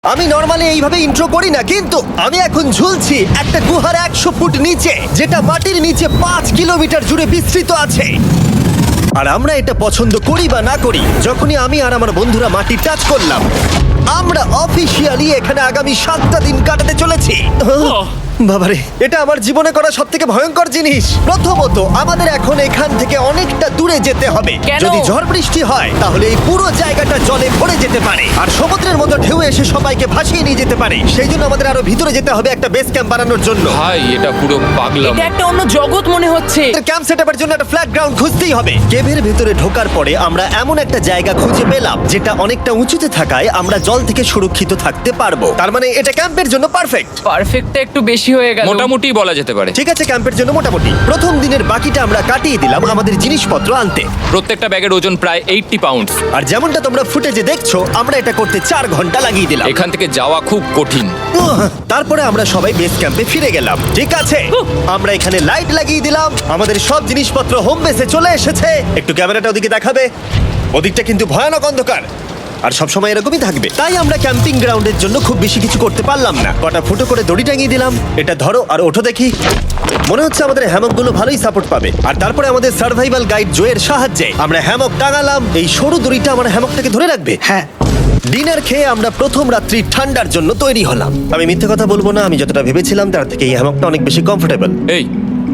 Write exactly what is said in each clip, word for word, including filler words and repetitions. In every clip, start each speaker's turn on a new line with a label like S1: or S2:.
S1: আমি নর্মালি এইভাবে ইন্ট্রো করি না, কিন্তু আমি এখন ঝুলছি একটা গুহার একশো ফুট নিচে, যেটা মাটির নিচে পাঁচ কিলোমিটার জুড়ে বিস্তৃত আছে। আর আমরা এটা পছন্দ করি বা না করি, যখনই আমি আর আমার বন্ধুরা মাটি টাচ করলাম, আমরা অফিসিয়ালি এখানে আগামী সাতটা দিন কাটাতে চলেছি। বাবারে, এটা আমার জীবনে করা সব থেকে ভয়ঙ্কর জিনিস। প্রথমত, আমাদের এখন এখান থেকে অনেকটা দূরে যেতে হবে।
S2: কেন?
S1: যদি ঝড় বৃষ্টি হয় তাহলে এই পুরো জায়গাটা জলে ভরে যেতে পারে, আর সমুদ্রের মতো ঢেউ এসে সবাইকে ভাসিয়ে নিয়ে যেতে পারে। সেই জন্য আমাদের আরো ভিতরে যেতে হবে একটা বেস ক্যাম্প বানানোর জন্য।
S3: ভাই এটা পুরো পাগলাম।
S2: এটা একটা অন্য জগৎ মনে হচ্ছে।
S1: ক্যাম্প সেটআপের জন্য একটা ফ্ল্যাট গ্রাউন্ড খুঁজতেই হবে। কেভের ভেতরে ঢোকার পরে আমরা এমন একটা জায়গা খুঁজে পেলাম যেটা অনেকটা উঁচুতে থাকায় আমরা জল থেকে সুরক্ষিত থাকতে পারবো। তার মানে এটা ক্যাম্পের জন্য পারফেক্ট।
S2: পারফেক্টটা একটু বেশি হয়ে গেল।
S3: মোটামুটি বলা যেতে পারে।
S1: ঠিক আছে, ক্যাম্পের জন্য মোটামুটি। প্রথম দিনের বাকিটা আমরা কাটিয়ে দিলাম আমাদের জিনিসপত্র আনতে।
S3: প্রত্যেকটা ব্যাগের ওজন প্রায় আশি পাউন্ড।
S1: আর যেমনটা তোমরা ফুটেজে দেখছো, আমরা এটা করতে চার ঘন্টা লাগিয়ে দিলাম।
S3: এখান থেকে যাওয়া খুব কঠিন।
S1: উহ, তারপরে আমরা সবাই বেস ক্যাম্পে ফিরে গেলাম। ঠিক আছে, আমরা এখানে লাইট লাগিয়ে দিলাম। আমাদের সব জিনিসপত্র হোম বেসে চলে এসেছে। একটু ক্যামেরাটা ওদিকে দেখাবে? ওদিকটা কিন্তু ভয়ানক অন্ধকার, আর সবসময় এরকমই থাকবে। তাই আমরা ক্যাম্পিং গ্রাউন্ডের জন্য খুব বেশি কিছু করতে পারলাম না। কটা ফুটো করে দড়ি টাঙিয়ে দিলাম। এটা ধরো আর ওঠো দেখি। মনে হচ্ছে আমাদের হ্যামকগুলো ভালোই সাপোর্ট পাবে। আর তারপরে আমাদের সার্ভাইভাল গাইড জোয়ের সাহায্যে আমরা হ্যামক টাঙালাম। এই সরু দড়িটা আমার হ্যামকটাকে ধরে রাখবে।
S4: হ্যাঁ,
S1: ডিনার খেয়ে আমরা প্রথম রাত্রি ঠান্ডার জন্য তৈরি হলাম। আমি মিথ্যে কথা বলবো না, আমি যতটা ভেবেছিলাম তার থেকে এই হ্যামকটা অনেক বেশি কমফোর্টেবল।
S3: এই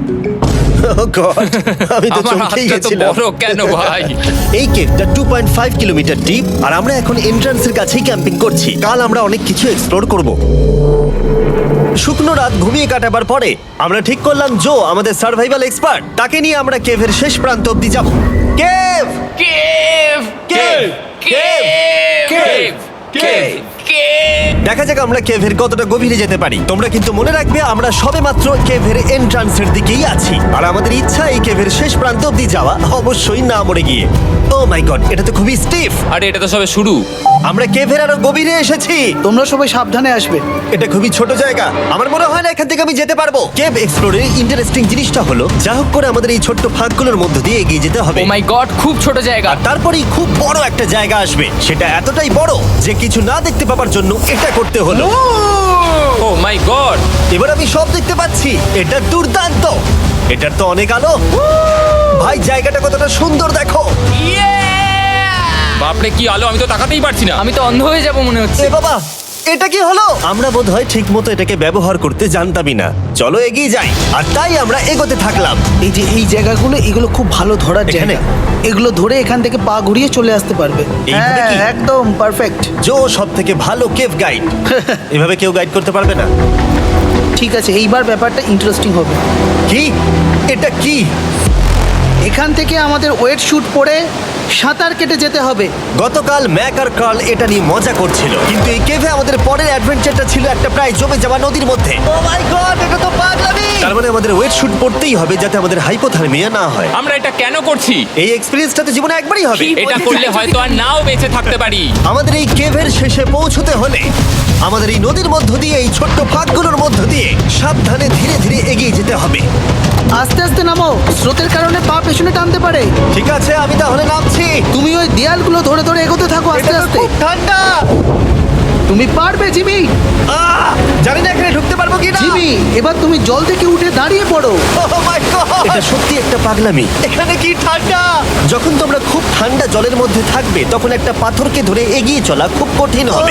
S1: আমি তো
S3: আমার
S1: চমকেই
S3: হাতটা তো
S1: গেছিলাম।
S3: বড় কেন ভাই?
S1: এই কেভটা two point five kilometre deep, আর আমরা এখন এন্ট্রান্সের কাছেই ক্যাম্পিং করছি। কাল আমরা অনেক কিছু এক্সপ্লোর করব। শুকনো রাত ঘুমিয়ে কাটাবার পরে আমরা ঠিক করলাম জো আমাদের সার্ভাইভাল এক্সপার্ট, তাকে নিয়ে আমরা কেভের শেষ প্রান্ত অব্দি যাব। Cave
S2: cave
S1: cave
S2: cave
S3: cave cave
S2: cave.
S1: দেখা যাক আমরা কেভের কতটা গভীরে যেতে পারি। তোমরা কিন্তু মনে রাখবে আমরা সবেমাত্র কেভের এন্ট্রান্সের দিকেই আছি, আর আমাদের ইচ্ছা এই কেভের শেষ প্রান্ত অব্দি যাওয়া, অবশ্যই না মরে গিয়ে। ও মাই গড, এটা তো খুবই স্টিফ।
S3: আরে এটা তো সবে শুরু।
S1: আমরা কেভের আরো গভীরে এসেছি।
S4: তোমরা সবাই সাবধানে আসবে।
S1: এটা খুবই ছোট জায়গা, আমার মনে হয় না এখান থেকে আমি যেতে পারবো। কেভ এক্সপ্লোরের ইন্টারেস্টিং জিনিসটা হলো, যা হোক করে আমাদের এই ছোট্ট ফাঁকগুলোর মধ্য দিয়ে এগিয়ে যেতে হবে।
S2: ও মাই গড, খুব ছোট জায়গা।
S1: আর তারপরেই খুব বড় একটা জায়গা আসবে, সেটা এতটাই বড় যে কিছু না দেখতে পাওয়ার জন্য এটা করতে হলো।
S3: Oh my god.
S1: এবার আমি সব দেখতে পাচ্ছি, এটা দুর্দান্ত। এটার তো অনেক আলো। ভাই, জায়গাটা কতটা সুন্দর দেখো।
S3: বাপরে কি আলো, আমি তো তাকাতেই পারছি না।
S2: আমি তো অন্ধ হয়ে যাব মনে হচ্ছে।
S1: এ বাবা, এটা কি হলো? আমরা বোধহয় ঠিক মতো এটাকে ব্যবহার করতে জানতামই না। চলো এগিয়ে যাই। আর তাই আমরা এগোতে থাকলাম।
S4: এই যে এই জায়গাগুলো, এগুলো খুব ভালো ধরার
S1: এখানে?
S4: জায়গা। এগুলো ধরে এখান থেকে পা ঘুরিয়ে চলে আসতে পারবে।
S1: এইভাবে
S4: হ্যাঁ,
S1: কি?
S4: একদম পারফেক্ট।
S1: জো সব থেকে ভালো কেভ গাইড। এভাবে কেউ গাইড করতে পারবে না।
S4: ঠিক আছে, এইবার ব্যাপারটা ইন্টারেস্টিং হবে।
S1: কি? এটা কি?
S4: এখান থেকে আমাদের ওয়েট শুট পরে সাঁতার কেটে যেতে হবে।
S1: গতকাল ম্যাক আর কার্ল এটা নিয়ে মজা করছিল, কিন্তু এই কেভে আমাদের পরের অ্যাডভেঞ্চারটা ছিল একটা প্রায় জমে যাওয়া নদীর মধ্যে। ও মাই গড, এটা তো পাগলামি! তার মানে আমাদের ওয়েট শুট পড়তেই হবে যাতে আমাদের হাইপোথার্মিয়া না হয়।
S3: আমরা এটা কেন করছি?
S1: এই এক্সপেরিয়েন্সটা তো জীবনে একবারই হবে।
S2: কি?
S3: এটা করলে হয়তো আর নাও বেঁচে থাকতে পারি।
S1: আমাদের এই কেভের শেষে পৌঁছতে হলে আমাদের এই নদীর মধ্য দিয়ে, এই ছোট্ট ফাঁকগুলোর মধ্য দিয়ে সাবধানে ধীরে ধীরে এগিয়ে যেতে হবে।
S4: আস্তে আস্তে নামো, স্রোতের কারণে পা পেছনে টানতে পারে।
S1: ঠিক আছে, আমি তাহলে নামছি।
S4: তুমি ওই দেয়ালগুলো ধরে ধরে এগোতে থাকো আস্তে
S1: এটা তো
S4: আস্তে।
S1: খুব ঠান্ডা।
S4: তুমি পারবে জিমি।
S1: আহ! জানি না এখানে ঢুকতে পারবো কিনা।
S4: জিমি, এবার তুমি জল থেকে উঠে দাঁড়িয়ে পড়ো।
S1: Oh my God! এটা সত্যি একটা পাগলামি। এখানে কি ঠান্ডা! যখন তোমরা খুব ঠান্ডা জলের মধ্যে থাকবে, তখন একটা পাথরকে ধরে এগিয়ে চলা খুব কঠিন হবে।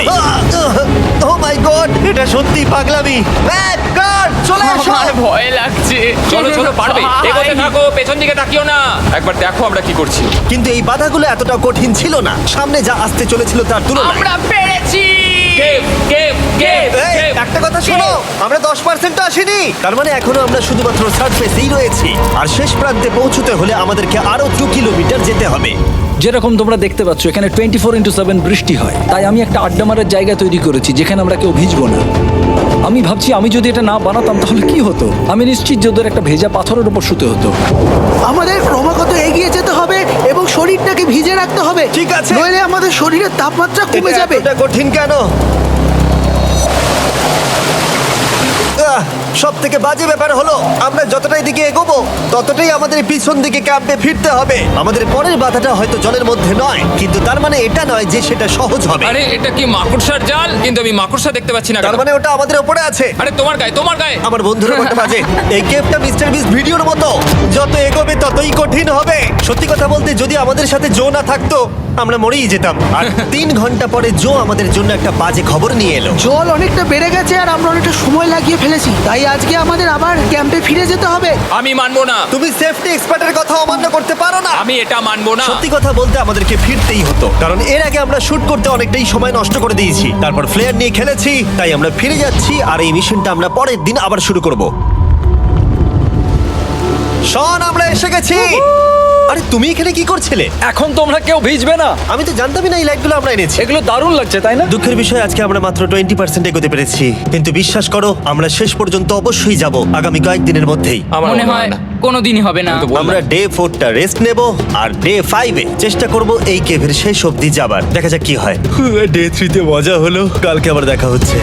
S1: ও মাই গড, এটা সত্যি পাগলামি। ম্যাক, গার্ড, চলে এসো।
S2: আমার ভয় লাগছে।
S3: চলো চলো, পারবে।
S2: ভাই।
S3: এগোতে থাকো, পেছন দিকে তাকিও না। একবার দেখো আমরা কি করছি।
S1: কিন্তু এই বাধাগুলো এতটা কঠিন ছিল না সামনে যা আসতে চলেছিল তার তুলনায়।
S2: আমরা পেরেছি।
S3: কেভ কেভ কেভ
S1: এই,
S3: কেভ।
S1: একটা কথা শোনো, আমরা দশ পার্সেন্ট আসিনি। তার মানে এখনো আমরা শুধুমাত্র সার্ফেসেই রয়েছি, আর শেষ প্রান্তে পৌঁছতে হলে আমাদেরকে আরো দু কিলোমিটার যেতে হবে।
S5: যেরকম তোমরা দেখতে পাচ্ছ, এখানে টোয়েন্টি ফোর ইন্টু সেভেন বৃষ্টি হয়। তাই আমি একটা আড্ডা মারার জায়গা তৈরি করেছি যেখানে আমরা কেউ ভিজবো না। আমি ভাবছি আমি যদি এটা না বানাতাম তাহলে কি হতো। আমি নিশ্চিত যে ওদের একটা ভেজা পাথরের উপর শুতে হতো।
S4: আমাদের ক্রমাগত এগিয়ে যেতে হবে এবং শরীরটাকে ভিজে রাখতে হবে।
S1: ঠিক আছে।
S4: নইলে আমাদের শরীরের তাপমাত্রা কমে
S1: এটা
S4: যাবে।
S1: এতটা কঠিন কেন? আহ, সব থেকে বাজে ব্যাপার হলো আমরা যতটাই দিকে এগোবো ততটাই আমাদের পিছন দিকে ক্যাম্পে ফিরতে হবে। আমাদের পরের বাধাটা হয়তো জলের মধ্যে নয়, কিন্তু তার মানে এটা নয় যে সেটা সহজ হবে।
S3: আরে এটা কি মাকড়সার জাল? কিন্তু আমি মাকড়সা দেখতে পাচ্ছি না
S1: তার
S3: কেন?
S1: মানে ওটা আমাদের উপরে আছে।
S3: আরে তোমার গায়ে, তোমার গায়ে।
S1: আমার বন্ধুরা বলতে বাজে এই গেমটা মিস্টার বিস ভিডিওর মতো, যত এগোবে ততই কঠিন হবে। সত্যি কথা বলতে যদি আমাদের সাথে জো না থাকতো আমরা মরেই যেতাম। আর তিন ঘন্টা পরে জো আমাদের জন্য একটা বাজে খবর নিয়ে এলো।
S4: জল অনেকটা বেড়ে গেছে আর আমরা অনেকটা সময় লাগিয়ে ফেলেছি, তাই আজকে আমাদের আবার ক্যাম্পে ফিরে যেতে হবে।
S3: আমি মানবো না,
S1: তুমি সেফটি এক্সপার্টের কথা অমান্য করতে পারো না।
S3: আমি এটা মানবো না।
S1: সত্যি কথা বলতে আমাদেরকে ফিরতেই হতো, কারণ এর আগে আমরা শুট করতে অনেকটাই সময় নষ্ট করে দিয়েছি, তারপর ফ্লেয়ার নিয়ে খেলেছি, তাই আমরা ফিরে যাচ্ছি আর এই মিশনটা আমরা পরের দিন আবার শুরু করব। শন, আমরা এসে গেছি। আরে তুমি এখানে কি করছিলে?
S5: এখন তোমরা কেউ ভিজবে না।
S1: আমি তো জানতামই না এই লাইটগুলো আমরা এনেছি।
S5: এগুলো দারুণ লাগছে তাই না?
S1: দুঃখের বিষয় আজকে আমরা মাত্র টোয়েন্টি পার্সেন্ট এগোতে পেরেছি, কিন্তু বিশ্বাস করো আমরা শেষ পর্যন্ত অবশ্যই যাব আগামী কয়েকদিনের মধ্যেই।
S3: আমার
S2: মনে হয় কোনোদিনই হবে না।
S3: আমি তো বললাম।
S1: আমরা ডে ফোরটা রেস্ট নেব আর ডে ফাইভে চেষ্টা করব এই কেভের শেষ অবধি যাবার। দেখা যাক কি হয়। ডে থ্রিতে মজা হলো, কালকে আবার দেখা হচ্ছে।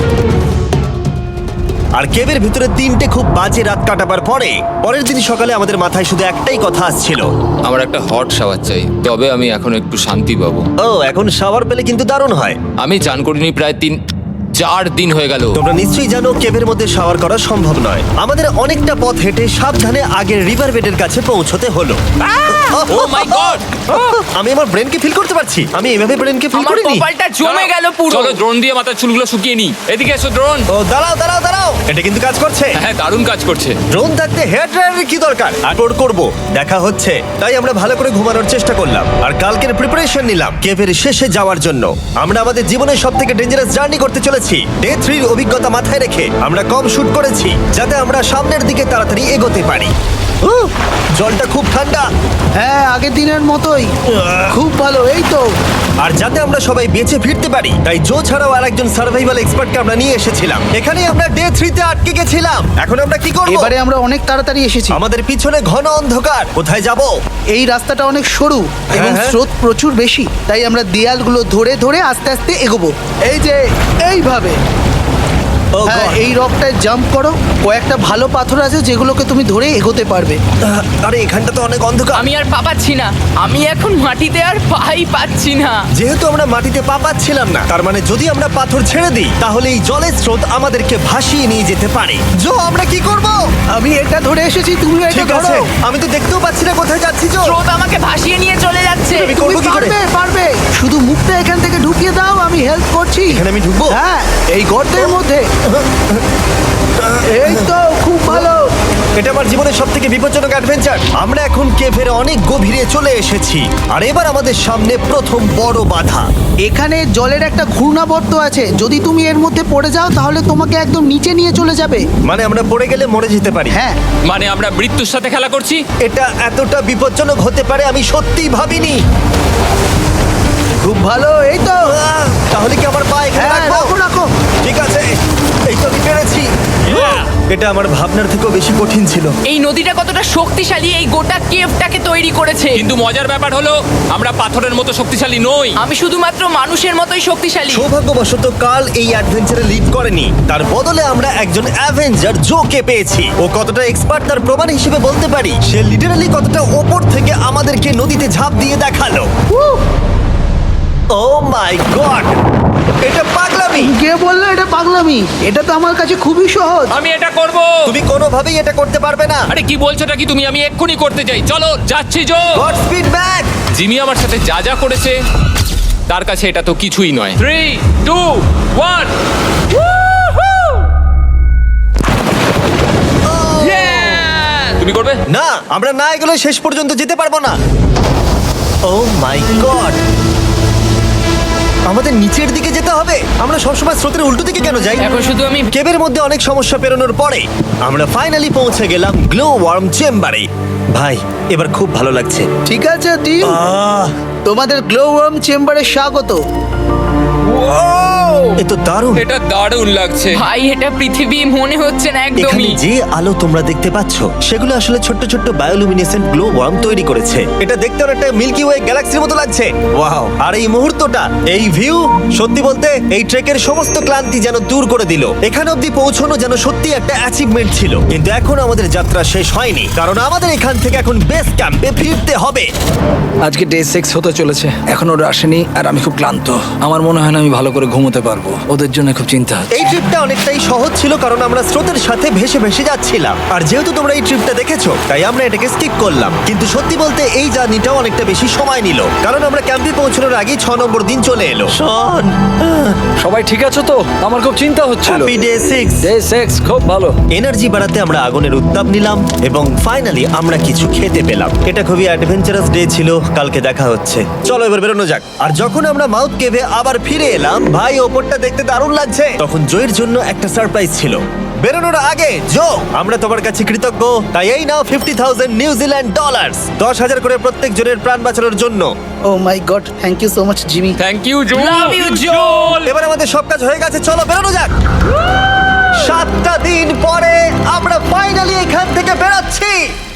S1: আর কেভের ভিতরে তিনটে খুব বাজে রাত কাটাবার পরে পরের দিন সকালে আমাদের মাথায় শুধু একটাই কথা আসছিল,
S3: আমার একটা হট শাওয়ার চাই, তবে আমি এখন একটু শান্তি পাবো।
S1: ও এখন শাওয়ার পেলে কিন্তু দারুণ হয়।
S3: আমি চান করিনি প্রায় তিন চার দিন হয়ে গেল।
S1: তোমরা নিশ্চয়ই জানো কেভের মধ্যে শাওয়ার করা সম্ভব নয়। আমাদের অনেকটা পথ হেঁটে সাবধানে আগের রিভার বেডের কাছে পৌঁছতে হলো।
S3: Oh my god!
S1: আমি আমার ব্রেনকে ফিল করতে পারছি। আমি এভাবে ব্রেনকে ফিল
S2: আমার
S1: করিনি।
S2: কপালটা জমে গেল পুরো।
S3: চলো ড্রোন দিয়ে মাথার চুলগুলো শুকিয়ে নি। এদিকে এসো ড্রোন।
S1: ও দাঁড়াও দাঁড়াও দাঁড়াও, এটা কিন্তু কাজ করছে।
S3: হ্যাঁ, দারুণ কাজ করছে।
S1: ড্রোন থাকতে হেয়ার ড্রায়ারের কি দরকার? আপলোড করব, দেখা হচ্ছে। তাই আমরা ভালো করে ঘুমানোর চেষ্টা করলাম আর কালকের প্রিপারেশন নিলাম কেভের শেষে যাওয়ার জন্য। আমরা আমাদের জীবনের সব থেকে ডেঞ্জারাস জার্নি করতে চলেছি। ডে থ্রির অভিজ্ঞতা মাথায় রেখে আমরা কম শুট করেছি যাতে আমরা সামনের দিকে তাড়াতাড়ি এগোতে পারি। উহ, জলটা খুব ঠান্ডা।
S4: হ্যাঁ, আগের দিনের মতোই খুব ভালো। এই তো
S1: আর যাতে আমরা সবাই বেঁচে ফিরতে পারি তাই জো ছাড়াও আরেকজন সার্ভাইভাল এক্সপার্টকে আমরা নিয়ে এসেছিলাম। এখানেই আমরা ডে থ্রিতে আটকে গেছিলাম। এখন আমরা কি করব?
S4: এবারে আমরা অনেক তাড়াতাড়ি এসেছি।
S1: আমাদের পিছনে ঘন অন্ধকার, কোথায় যাব?
S4: এই রাস্তাটা অনেক সরু এবং
S1: হ্যাঁ।
S4: স্রোত প্রচুর বেশি, তাই আমরা দেয়ালগুলো ধরে ধরে আস্তে আস্তে এগোবো। এই যে এইভাবে।
S1: ও
S4: হ্যাঁ,
S1: God!
S4: এই রকটায় জাম্প করো। কয়েকটা ভালো পাথর আছে যেগুলোকে তুমি ধরে এগোতে পারবে।
S1: আহ, আরে এখানটা তো অনেক অন্ধকার।
S2: আমি আর পা পাচ্ছি না। আমি এখন মাটিতে আর পাই পাচ্ছি না।
S1: যেহেতু আমরা মাটিতে পা পাচ্ছিলাম না, তার মানে যদি আমরা পাথর ছেড়ে দিই তাহলে এই জলের স্রোত আমাদেরকে ভাসিয়ে নিয়ে যেতে পারে। জো, আমরা কি করব?
S4: আমি এটা ধরে এসেছি, তুমি এটা
S1: ঠিক আছে,
S4: ধরো।
S1: আমি তো দেখতেও পাচ্ছি না কোথায় যাচ্ছি। জো,
S2: স্রোত আমাকে ভাসিয়ে নিয়ে চলে যাচ্ছে।
S1: আমি
S4: তুমি
S1: করবো কি করে?
S4: পারবে পারবে শুধু মুখটা এখান থেকে ঢুকিয়ে দাও, আমি হেল্প করছি।
S1: এখানে আমি ঢুকবো?
S4: হ্যাঁ, এই গর্তের মধ্যে। এই তো খুব ভালো।
S1: এটা আমার জীবনের সব থেকে বিপজ্জনক অ্যাডভেঞ্চার। আমরা এখন কেভের অনেক গভীরে চলে এসেছি আর এবার আমাদের সামনে প্রথম বড় বাধা।
S4: এখানে জলের একটা ঘূর্ণাবর্ত আছে, যদি তুমি এর মধ্যে পড়ে যাও তাহলে তোমাকে একদম নিচে নিয়ে চলে যাবে।
S1: মানে আমরা পড়ে গেলে মরে যেতে পারি।
S4: হ্যাঁ,
S3: মানে আমরা মৃত্যুর সাথে খেলা করছি।
S1: এটা এতটা বিপজ্জনক হতে পারে আমি সত্যিই ভাবিনি।
S4: খুব ভালো। এই তো।
S1: আহ, তাহলে কি আমার পা এখানে
S4: হ্যাঁ,
S1: রাখবো?
S4: রাখো রাখো।
S1: ঠিক আছে, এই তো আমি পেরেছি। এটা আমার ভাবনার থেকেও বেশি কঠিন ছিল।
S2: এই নদীটা কতটা শক্তিশালী এই গোটা কেভটাকে তৈরি করেছে।
S3: কিন্তু মজার ব্যাপার হলো আমরা পাথরের মতো শক্তিশালী নই।
S2: আমি শুধুমাত্র মানুষের মতোই শক্তিশালী।
S1: সৌভাগ্যবশত কাল এই অ্যাডভেঞ্চারে লিড করেনি, তার বদলে আমরা একজন অ্যাভেঞ্জার জোকে পেয়েছি। ও কতটা এক্সপার্ট তার প্রমাণ হিসেবে বলতে পারি। সে লিটারালি কতটা ওপর থেকে আমাদেরকে নদীতে ঝাঁপ দিয়ে দেখালো। ও মাই গড, এটা পাগলামি।
S4: কে বললো এটা পাগলামি? এটা তো আমার কাছে খুবই সহজ।
S3: আমি এটা করব।
S1: তুমি কোনোভাবেই এটা করতে পারবে না।
S3: আরে কি বলছোটা কি তুমি? আমি এক্ষুনি করতে চাই। চলো যাচ্ছি Joe.
S1: Godspeed back.
S3: Jimmy আমার সাথে যা যা করেছে তার কাছে এটা তো কিছুই নয়। Three two one. তুমি করবে?
S1: না, আমরা না এগুলো শেষ পর্যন্ত যেতে পারবো না। ও মাই গড, আমাদের নিচের দিকে যেতে হবে। আমরা সবসময় স্রোতের উল্টো দিকে কেন যাই?
S2: এখন শুধু আমি
S1: কেবের মধ্যে অনেক সমস্যা পেরোনোর পরে আমরা ফাইনালি পৌঁছে গেলাম গ্লো ওয়ার্ম চেম্বারে। ভাই, এবার খুব ভালো লাগছে।
S4: ঠিক আছে টিম,
S1: আহ,
S4: তোমাদের গ্লো ওয়ার্ম চেম্বারে স্বাগত।
S1: ও এ তো দারুণ।
S3: এটা দারুণ লাগছে।
S2: ভাই এটা পৃথিবী মনে হচ্ছে না
S1: এখানে
S2: একদমই।
S1: যে আলো তোমরা দেখতে পাচ্ছ সেগুলো আসলে ছোট্ট ছোট্ট বায়োলুমিনেসেন্ট গ্লো ওয়ার্ম তৈরি করেছে। এটা দেখতে অনেকটা মিল্কি ওয়ে গ্যালাক্সির মতো লাগছে। ওয়াও! আর এই মুহূর্তটা, এই ভিউ, সত্যি বলতে এই ট্রেকের সমস্ত ক্লান্তি যেন দূর করে দিল। এখানে অবধি পৌঁছানো যেন সত্যি একটা অ্যাচিভমেন্ট ছিল। কিন্তু এখন আমাদের যাত্রা শেষ হয়নি, কারণ আমাদের এখান থেকে এখন বেস ক্যাম্পে ফিরতে হবে।
S5: আজকে ডে সিক্স হতে চলেছে, এখন ওরা আসেনি আর আমি খুব ক্লান্ত। আমার মনে হয় না আমি ভালো করে ঘুমোতে পারবো, ওদের জন্য খুব চিন্তা হচ্ছে।
S1: এই ট্রিপটা অনেকটাই সহজ ছিল কারণ আমরা স্রোতের সাথে ভেসে ভেসে যাচ্ছিলাম। আর যেহেতু তোমরা এই ট্রিপটা দেখেছো তাই আমরা এটাকে স্কিপ করলাম। কিন্তু সত্যি বলতে এই জার্নিটাও অনেকটা বেশি সময় নিল, কারণ আমরা ক্যাম্পে পৌঁছানোর আগেই ছ নম্বর দিন চলে এলো। শন,
S5: সবাই ঠিক আছে তো? আমার খুব চিন্তা হচ্ছিল।
S1: Happy day six.
S5: Day six খুব ভালো।
S1: এনার্জি বাড়াতে আমরা আগুনের উত্তাপ নিলাম এবং ফাইনালি আমরা কিছু খেতে পেলাম। এটা খুবই অ্যাডভেঞ্চারাস ডে ছিল। কালকে দেখা হচ্ছে, চলো এবার বেরোনো যাক। আর যখন আমরা মাউথ কেভে আবার ফিরে এলাম, ভাই ওপরটা দেখতে দারুণ লাগছে। তখন জয়ের জন্য একটা সারপ্রাইজ ছিল। বেরোনোর আগে জো, আমরা তোমার কাছে কৃতজ্ঞ। তাই এই নাও ফিফটি থাউজেন্ড নিউজিল্যান্ড ডলার্স, দশ হাজার করে প্রত্যেক জনের প্রাণ বাঁচানোর জন্য।
S4: ও my god, thank you so much Jimmy.
S3: Thank you Joe.
S2: Love you, Joel!
S1: এবার আমাদের সব কাজ হয়ে গেছে, চলো বেরোনো যাক। সাতটা দিন পরে আমরা ফাইনালি এখান থেকে বেরোচ্ছি।